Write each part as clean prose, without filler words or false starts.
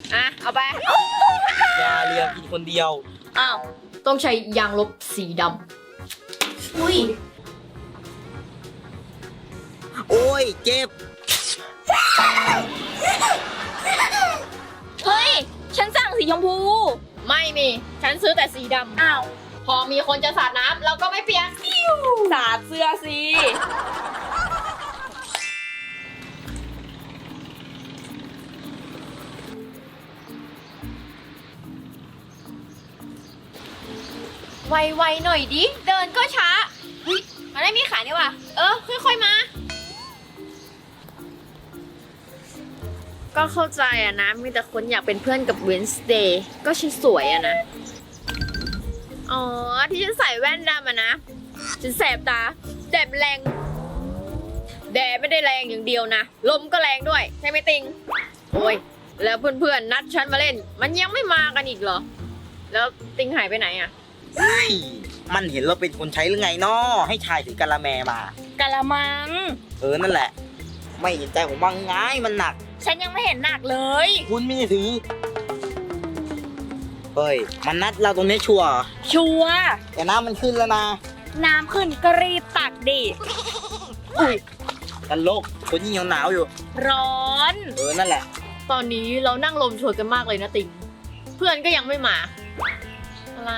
เอาไปอย่าเรียงกินคนเดียวอ้าวต้องใช้ยางลบสีดำอุ้ยโอ้ยเจ็บเฮ้ยฉันสั่งสีชมพูไม่มีฉันซื้อแต่สีดำอ้าวพอมีคนจะสาดน้ำเราก็ไม่เปียกสาดเสื้อสิไวๆหน่อยดิเดินก็ช้าเฮ้ยมันไม่มีขานี่ว่ะค่อยๆมาก็เข้าใจอะนะมีแต่คนอยากเป็นเพื่อนกับเวนส์เดย์ก็ฉันสวยอะนะอ๋อที่ฉันใส่แว่นดำอะนะฉันแสบตาแดดแรงแดดไม่ได้แรงอย่างเดียวนะลมก็แรงด้วยใช่ไหมติงโอ้ยแล้วเพื่อนๆนัดฉันมาเล่นมันยังไม่มากันอีกเหรอแล้วติงหายไปไหนอะมันเห็นเราเป็นคนใช้หรือไงนาะให้ชายถือกะละแมมากะละมังนั่นแหละไม่เห็นใจผมบ้างไงมันหนักฉันยังไม่เห็นหนักเลยคุณไม่ได้ถือเฮ้ยมันนัดเราตรงนี้ชัวร์แต่น้ำมันขึ้นแล้วนะน้ำขึ้นก็รีบตักดิอุ้ยกันโลกคนยิ่งหนาวอยู่ร้อนนั่นแหละตอนนี้เรานั่งลมโชยกันมากเลยนะติงเพื่อนก็ยังไม่มาอะไร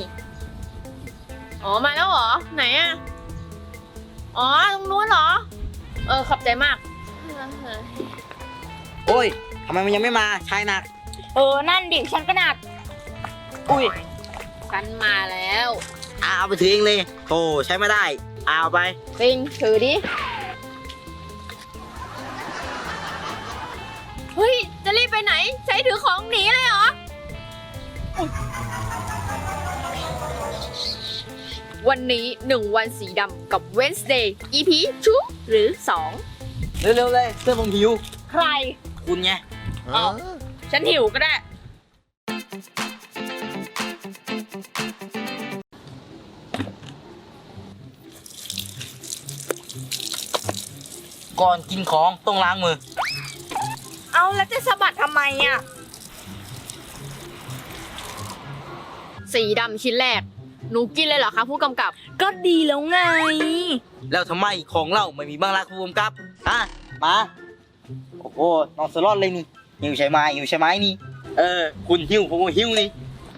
อ๋อมาแล้วเหรอไหนอะอ๋อตรงนู้นเหรอขอบใจมากโอ้ยทำไมมันยังไม่มาชายหนักนั่นดิฉันก็หนักอุ้ยฉันมาแล้วเอาไปถือเองเลยโธ่ใช้ไม่ได้เอาไปติงถือดิเฮ้ยจะรีบไปไหนใช้ถือของหนีเลยเหรอวันนี้1 วันสีดำกับ Wednesday EP 2หรือ 2 เร็วๆเลยเสื้อผมหิวใครคุณไงฉันหิวก็ได้ก่อนกินของต้องล้างมือเอาแล้วจะสะบัดทำไมอ่ะสีดำชิ้นแรกหนูกินเลยเหรอคะผู้กำกับก็ดีแล้วไงแล้วทำไมของเราไม่มีบ้างล่ะผู้กำกับมาโอ้โหน้องสลอดเลยนี่หิวใช่ไหมนี่คุณหิวผมก็หิวนี่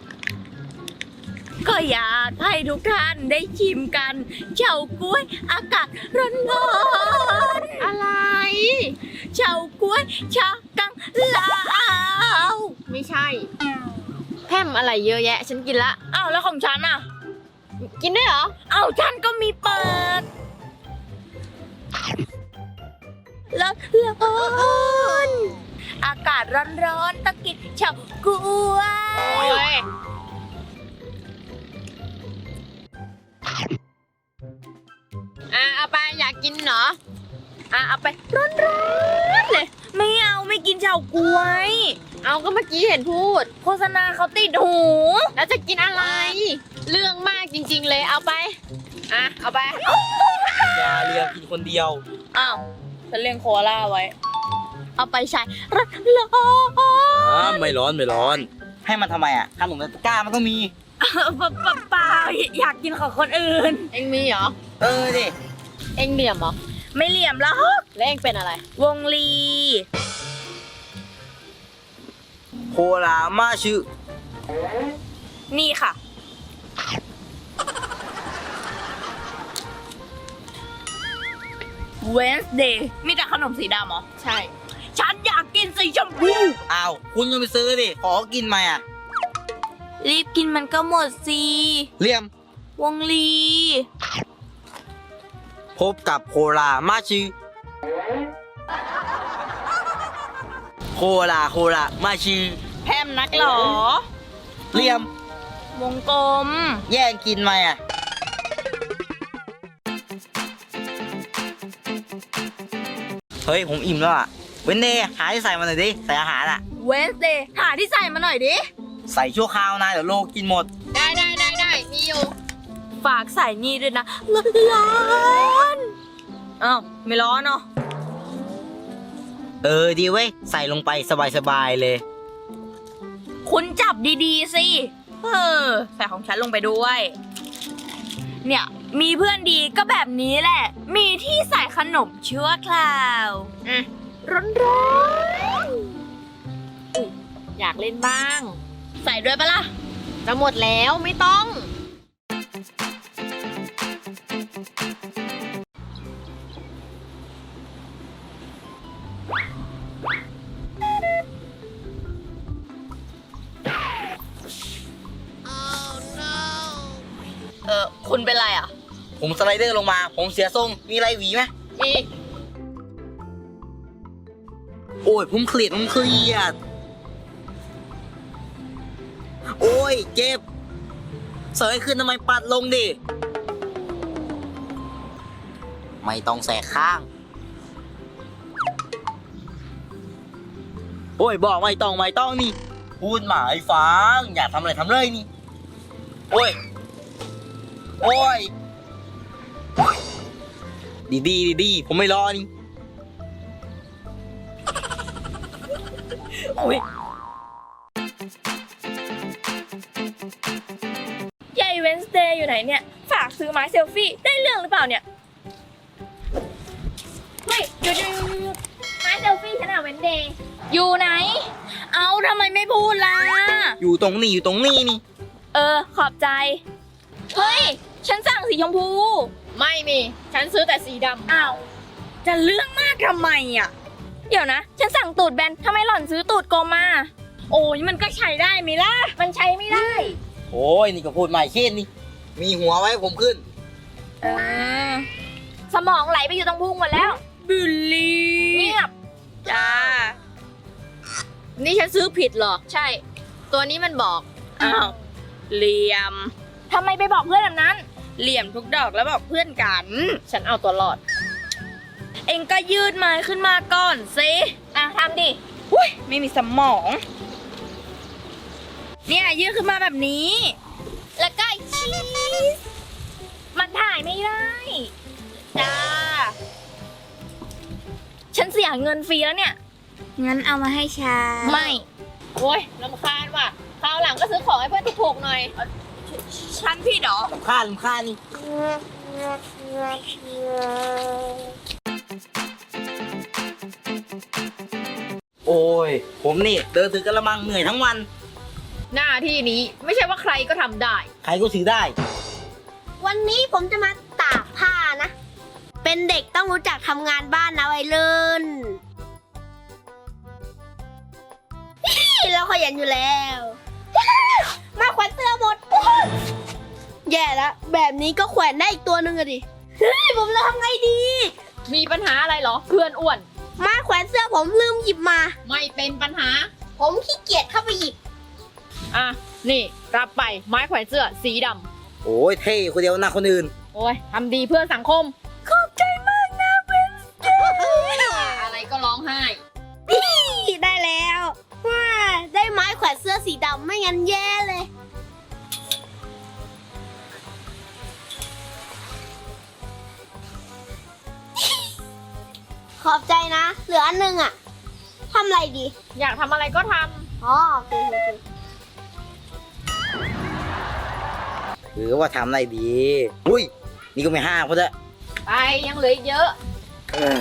ก็อยากให้ทุกท่านได้ชิมกันเฉาก๊วยอากาศร้อนๆอะไรเฉาก๊วยชากังลาวไม่ใช่แพมอะไรเยอะแยะฉันกินละอ้าวแล้วของฉันอ่ะกินได้เหรออ้าวฉันก็มีเปิดร้อนอากาศร้อนๆตะกินเฉาก๊วยเอาไปอยากกินเหรอเอาไปร้อนๆเลยไม่กินเฉาก๊วยเอาก็เมื่อกี้เห็นพูดโฆษณาเขาติดหูแล้วจะกินอะไรเรื่องมากจริงๆเลยเอาไปเอาไปอย่าเรียงกินคนเดียวอ้าวฉันเลี้ยงโคอาล่าไว้เอาไปใช้ร้อนไม่ร้อนให้มันทำไมขนมตะกร้ามันต้องมีเปล่าอยากกินของคนอื่นเอ็งมีเหรอดิเอ็งเหลี่ยมเหรอไม่เหลี่ยมแล้วแล้วเอ็งเป็นอะไรวงลีโคลามาชื่อนี่ค่ะWednesday มีแต่ขนมสีดำเหรอใช่ฉันอยากกินสีชมพูอ้าวคุณก็ไปซื้อดิขอกินไหมรีบกินมันก็หมดสิเลี่ยมวงลีพบกับโคลามาชื่อโคลามาชื่อแพมนักหรอเลี่ยมวงกลมแย่งกินไหมเฮ้ยผมอิ่มแล้วเวนเดย์หาที่ใส่มาหน่อยดิใส่อาหารเวนเดย์หาที่ใส่มาหน่อยดิใส่ชั่วคราวนะเดี๋ยวโลกินหมดได้มีอยู่ฝากใส่นี่ด้วยนะร้อนอ้าวไม่ร้อนเนาะดีเว้ยใส่ลงไปสบายๆเลยคุณจับดีๆสิใส่ของฉันลงไปด้วย เนี่ยมีเพื่อนดีก็แบบนี้แหละ มีที่ใส่ขนมชั่วคราวอ่ะร้อนๆอยากเล่นบ้างใส่ด้วยปะล่ะจะหมดแล้วไม่ต้องคุณเป็นไรอ่ะผมสไลเดอร์ลงมา ผมเสียทรง มีอะไรหวีไหมมีโอ้ยผมเครียดโอ้ยเจ็บเสยขึ้นทำไมปัดลงดิ ไม่ต้องแสกข้าง โอ้ยบอกไม่ต้องนี่ พูดหมายฟัง อยากทำอะไรทำเลยนี่ โอ้ยดีผมไม่รอนี่โอ้ยยายเวนสเดย์อยู่ไหนเนี่ย ฝากซื้อไม้เซลฟี่ได้เรื่องหรือเปล่าเนี่ยเฮ้ยหยุดไม้เซลฟี่ฉันอะเวนเดย์อยู่ไหน เอาทำไมไม่พูดล่ะอยู่ตรงนี้นี่ขอบใจ เฮ้ย ฉันสั่งสีชมพูไม่มี ฉันซื้อแต่สีดำอ้าว จะเรื่องมากทำไมอ่ะ เดี๋ยวนะ ฉันสั่งตูดแบนทำไมหล่อนซื้อตูดกลมมา โอ้ยมันก็ใช้ได้ไหมล่ะมันใช้ไม่ได้โอ้ยนี่ก็พูดใหม่เช่นนี่ มีหัวไว้ผมขึ้นสมองไหลไปอยู่ตรงพุงหมดแล้วบิลลี่เงียบจ้านี่ฉันซื้อผิดเหรอ ใช่ ตัวนี้มันบอกอ้าวเหลี่ยมทำไมไปบอกเพื่อนแบบนั้นเหลี่ยมทุกดอกแล้วบอกเพื่อนกันฉันเอาตัวรอดเองก็ยืดไม้ขึ้นมาก่อนสิอ่ะทำดิอุ้ยไม่มีสมอง เนี่ยยืดขึ้นมาแบบนี้แล้วก็ชีส มันถ่ายไม่ได้จ้าฉันเสียเงินฟรีแล้วเนี่ยงั้นเอามาให้ฉันไม่ โอ้ยรำคาญว่ะ คราวหลังก็ซื้อของให้เพื่อนถูกๆหน่อยฉันพี่เหรอลำคาญนี่ โอ้ย ผมนี่เดินถือกระมังเหนื่อยทั้งวันหน้าที่นี้ไม่ใช่ว่าใครก็ทำได้ใครก็ถือได้วันนี้ผมจะมาตากผ้านะ เป็นเด็กต้องรู้จักทำงานบ้านนะวัยรุ่น เราขยันอยู่แล้ว มาแขวนเสื้อหมด แย่แล้วแบบนี้ก็แขวนได้อีกตัวหนึ่งอะดิ เฮ้ยผมจะทำไงดีมีปัญหาอะไรเหรอ เพื่อนอ้วนมาแขวนเสื้อผมลืมหยิบมาไม่เป็นปัญหาผมขี้เกียจเข้าไปหยิบอ่ะ นี่รับไปไม้แขวนเสื้อสีดโอ้ยเท่คนเดียวหน้าคนอื่นำ โอ้ยทำดีเพื่อสังคมขอบใจมากนะเวนสเดย์อะไรก็ร้องไห้ได้แล้วว้าได้ไม้แขวนเสื้อสีดำไม่งั้นแย่เลย ขอบใจนะ เหลืออันหนึงอะทำอะไรดีอยากทำอะไรก็ทอ๋อโอเคหรือว่าทำอะไรดี อุ้ย นี่ก็ไม่ห้าพอจะำ ไปยังเหลืออีกเยอะเออ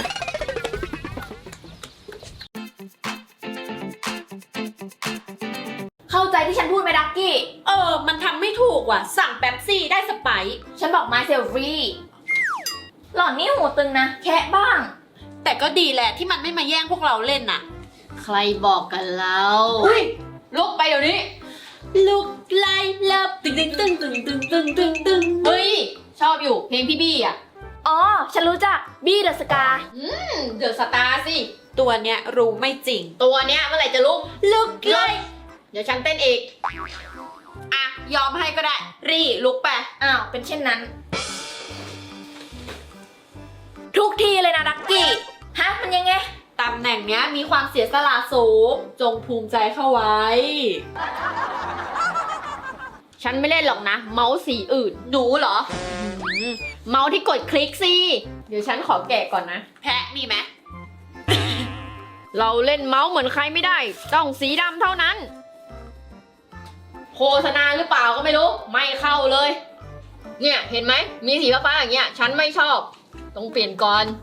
เข้าใจที่ฉันพูดไหมดักกี้มันทำไม่ถูกว่ะ สั่งแป๊บซี่ได้สไปซ์ฉันบอกไม้เซลฟี่หล่อนนี่หูตึงนะ แคะบ้างแต่ก็ดีแหละที่มันไม่มาแย่งพวกเราเล่นน่ะใครบอกกันแล้วลุกไปเดี๋ยวนี้ลุกไล่ลับตึงตึงตึงตึงตึงตึงตึงตึงเฮ้ย ชอบอยู่เพลงพี่บี้อ่ะอ๋อ ฉันรู้จักบี้เดอะสกาเดอะสตาร์สิตัวเนี้ยรู้ไม่จริงตัวเนี้ยเมื่อไหร่จะลุกลุกไล่เดี๋ยวฉันเต้นอีกอ่ะ ยอมให้ก็ได้ รีลุกไปอ้าว เป็นเช่นนั้นทุกทีเลยนะดักกี้ฮะ มันยังไงตำแหน่งเนี้ยมีความเสียสละสูง จงภูมิใจเข้าไว้ฉันไม่เล่นหรอกนะ เมาส์สีอื่นหนูเหรอเมาส์ที่กดคลิกสิ เดี๋ยวฉันขอแกะก่อนนะแพะมีไหมเราเล่นเมาส์เหมือนใครไม่ได้ ต้องสีดำเท่านั้นษณาหรือเปล่าก็ไม่รู้ ไม่เข้าเลย เนี่ยเห็นไหมมีสีฟ้าๆอย่างเงี้ยฉันไม่ชอบต้องเปลี่ยนก่อน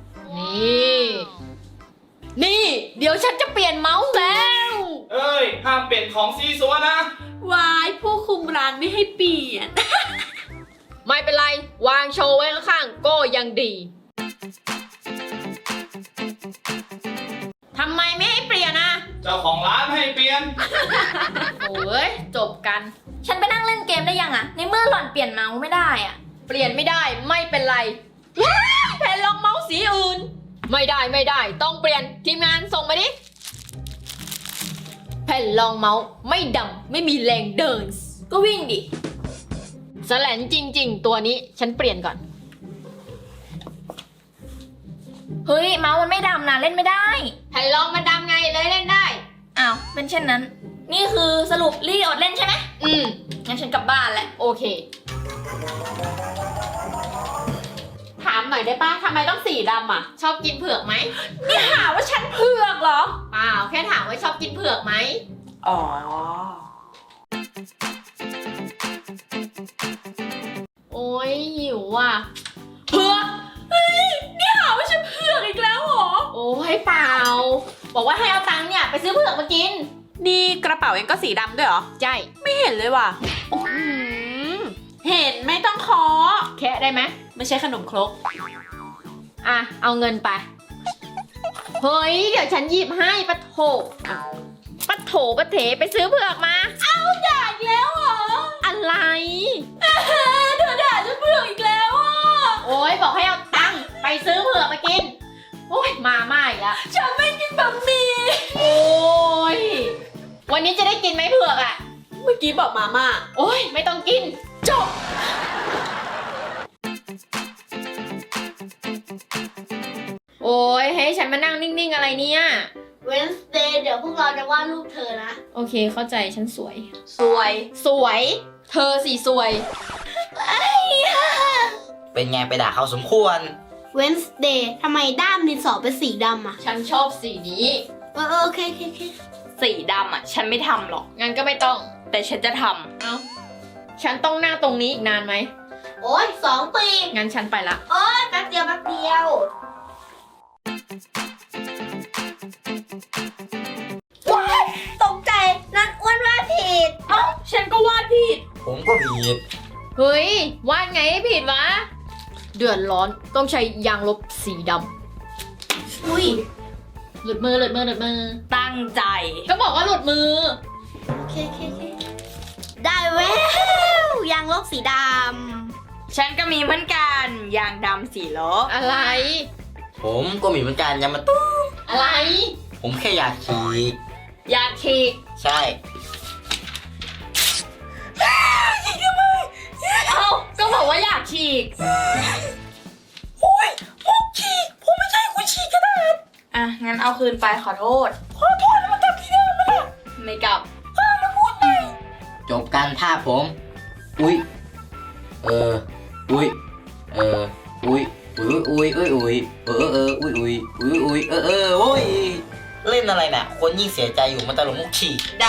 นี่เดี๋ยวฉันจะเปลี่ยนเมาส์แล้วเอ้ย ห้ามเปลี่ยนของซีซัวนะวายผู้คุมร้านไม่ให้เปลี่ยนไม่เป็นไรวางโชว์ไว้ข้างๆก็ยังดีทำไมไม่ให้เปลี่ยนอ่ะเจ้าของร้านให้เปลี่ยนโอ้ยจบกันฉันไปนั่งเล่นเกมได้ยังอะในเมื่อหล่อนเปลี่ยนเมาส์ไม่ได้อะเปลี่ยนไม่ได้ไม่เป็นไรแผ่นรองเมาส์สีอื่น ไม่ได้ต้องเปลี่ยนทีมงานส่งมาดิแผ่นรองเมาส์ไม่ดำไม่มีแรงเดินก็วิ่งดิแสลนจริงๆ ตัวนี้ฉันเปลี่ยนก่อนเฮ้ยเมาส์มันไม่ดำนะเล่นไม่ได้แผ่นรองมันดำไงเลยเล่นได้อ้าวเป็นเช่นนั้น นี่คือสรุปลี่อดเล่นใช่ไหม งั้นฉันกลับบ้านแหละโอเค ถามหน่อยได้ป้าทำไมต้องสีดำอ่ะ ชอบกินเผือกไหมนี่หาว่าฉันเผือกเหรอเปล่าแค่ถามว่าชอบกินเผือกไหมอ๋อโอ้ยหิวอ่ะเผือกเฮ้ยนี่หาว่าฉันเผือกอีกแล้วเหรอโอ้ยเปล่า บอกว่าให้เอาตังค์เนี่ยไปซื้อเผือกมากินนี่กระเป๋าเองก็สีดำด้วยเหรอใช่ไม่เห็นเลยว่ะเห็นไม่ต้องเคาะแค่ได้ไหมไม่ใช่ขนมครกอ่ะ เอาเงินไป เฮ้ย เดี๋ยวฉันหยิบให้ปะโถอ่ะปะโถปะเถไปซื้อเผือกมาด่าอีกแล้วเหรออะไรเธอด่าฉันเผือกอีกแล้วอ่ะโอ้ยบอกให้เอาตังค์ไปซื้อเผือกมากิน โอ้ยมาม่าอีกแล้วฉันไม่กินบะหมี่โอ้ย วันนี้จะได้กินไหมเผือกอ่ะเมื่อกี้บอกมาม่าโอ้ย ไม่ต้องกิน จบ โอ้ยให้ฉันมานั่งนิ่งๆอะไรเนี่ย Wednesday เดี๋ยวพวกเราจะวาดรูปเธอนะโอเคเข้าใจฉันสวยสวยสวย เธอสิสวยเป็นไงไปด่าเขาสมควร Wednesday ทำไมด้ามดินสอเป็นสีดำอ่ะฉันชอบสีนี้โอเคสีดำอ่ะ ฉันไม่ทำหรอกงั้นก็ไม่ต้องแต่ฉันจะทเอ้า ฉันต้องนั่งตรงนี้อีกนานไหมโอ้ย2 ปีงั้นฉันไปละโอ้ยแป๊บเดียวว้ายตกใจนั่นอ้วนว่าผิดำเอ้าฉันก็วาดผิดผมก็ผิดเฮ้ย วาดไงให้ผิดวะ เดือดร้อน ต้องใช้ยางลบสีดอุ้ยำหลุดมือตั้งใจก็บอกว่าหลุดมือโอเคได้แววยางลบสีดฉันก็มีเหมือนกันยางดำสีลบอะไรผมก็มีเหมือนกันอย่ามาตู้อะไรผมแค่อยากขี่อยากฉีกใช่เอ้า ก็บอกว่าอยากฉีกอ่ะ งั้นเอาคืนไปขอโทษ ขอโทษแล้วมากลับที่เดิมนะไม่กลับจบการภาพผม อุ้ยอุ้ยอุ้ยอุ้ยอุ้ยอุ้ยอุ้ยโอ้ยเล่นอะไรน่ะ คนยิ่งเสียใจอยู่มันตลกมุกขี่ได้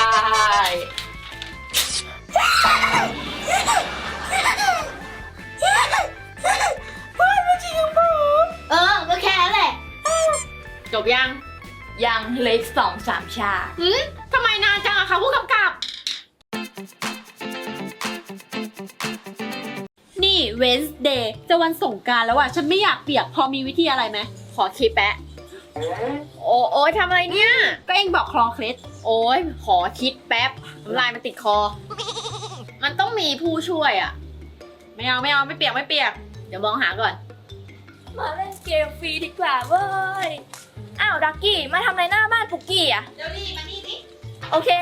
ำก็แค่นั้นแหละจบยังยังเหล็ก2-3 ชาทำไมนานจังอะคะผู้กำกับนี่ Wednesday จะวันสงกรานต์แล้วอ่ะ ฉันไม่อยากเปียก พอมีวิธีอะไรไหมขอคิดแปะ โอ้ยทำอะไรเนี่ยก็เองบอกคลอเคล็ดโอ้ยขอคิดแป๊บน้ำลายมันติดคอ มันต้องมีผู้ช่วยอะไม่เอาไม่เปียกเดี๋ยวมองหาก่อนมาเล่นเกมฟรีดีกว่าเว้ย อ้าวดักกี้มาทำอะไรหน้าบ้านปุกกี้อ่ะเดี๋ยวดิมานี่ดิโอเค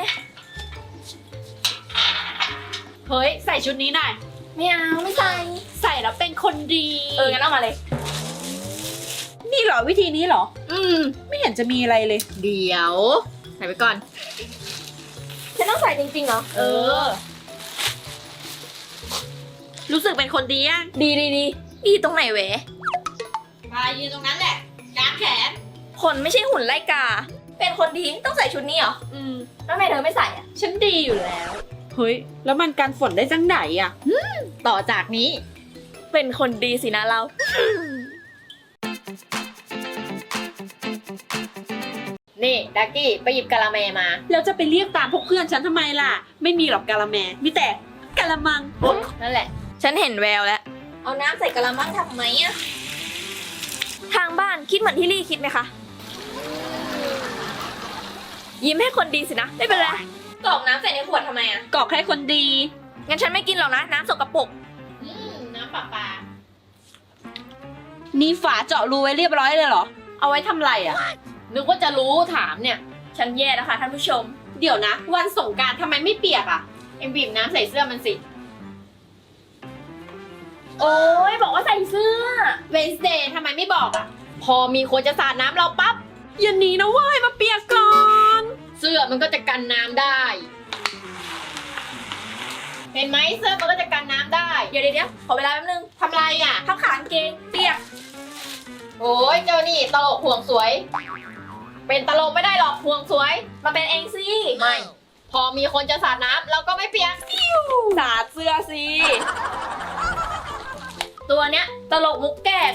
เฮ้ย ใส่ชุดนี้หน่อยไม่เอาไม่ใส่ใส่แล้วเป็นคนดีงั้นเอามาเลยนี่เหรอวิธีนี้เหรอ ไม่เห็นจะมีอะไรเลยเดี๋ยว ใส่ไปก่อนฉันต้องใส่จริงๆเหรอรู้สึกเป็นคนดีอ่ะดีตรงไหนเวะมายืนตรงนั้นแหละกางแขนคนไม่ใช่หุ่นไล่กา เป็นคนดีต้องใส่ชุดนี้เหรอ แล้วทำไมเธอไม่ใส่อ่ะฉันดีอยู่แล้วเฮ้ย แล้วมันกันฝนได้จังไหนอะต่อจากนี้เป็นคนดีสินะเรานี่ดักกี้ไปหยิบกะละแมมาแล้วจะไปเรียกตามพวกเพื่อนฉันทำไมล่ะ ไม่มีหรอกกะละแม มีแต่กะละมังนั่นแหละฉันเห็นแววแล้วเอาน้ำใส่กะละมังทำไมอะทางบ้านคิดเหมือนที่ลี่คิดไหมคะ ยิ้มให้คนดีสินะ ไม่เป็นไรกรอกน้ำใส่ในขวดทำไมอะกอกให้คนดีงั้นฉันไม่กินหรอกนะ น้ำสกปรกน้ำปลาปลานี่ฝาเจาะรูไว้เรียบร้อยเลยเหรอ เอาไว้ทำไรอะนึกว่าจะรู้ถามเนี่ยฉันแย่นะคะท่านผู้ชมเดี๋ยวนะ วันสงกรารทำไมไม่เปียกอะเอ็มบีบน้ำใส่เสื้อมันสิโอ้ยบอกว่าใส่เสื้อเวนส์เดย์ทำไมไม่บอกอะพอมีคนจะสาดน้ำเราปั๊บอย่าหนีนะเว้ยมาเปียกก่อนเสื้อมันก็จะกันน้ำได้ เห็นไหมเสื้อมันก็จะกันน้ำได้เดี๋ยวขอเวลาแป๊บนึงทำไรอ่ะทับขากางเกงเปียกโอ้ยเจ้านี่ตลกห่วงสวย เป็นตลกไม่ได้หรอกห่วงสวยมาเป็นเองสิไม่ พอมีคนจะสาดน้ำเราก็ไม่เปียกสาดเสื้อสิ ตัวเนี้ยตลกมุกแกล้ง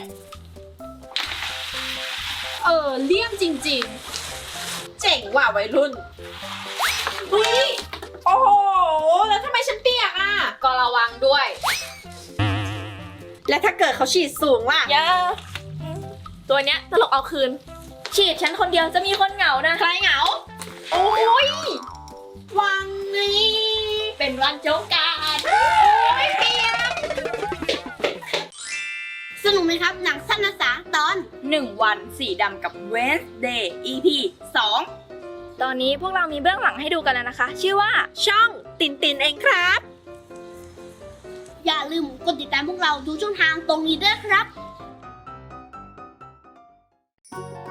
เลี่ยมจริงๆ เจ๋งว่ะวัยรุ่นเฮ้ย โอ้โห แล้วทำไมฉันเปียกอะก็ระวังด้วยแล้วถ้าเกิดเขาฉีดสูงล่ะเยอะตัวเนี้ยตลกเอาคืน ฉีดฉันคนเดียวจะมีคนเหงานะใครเหงาโอ้ยวังนี้เป็นวันสงกรานต์สนุกไหมครับหนังสั้นภาษาตอน 1 วันสีดำกับ Wednesday EP 2 ตอนนี้พวกเรามีเบื้องหลังให้ดูกันแล้วนะคะ ชื่อว่าช่องตินตินเองครับอย่าลืมกดติดตามพวกเราทุกช่องทางตรงนี้ด้วยครับ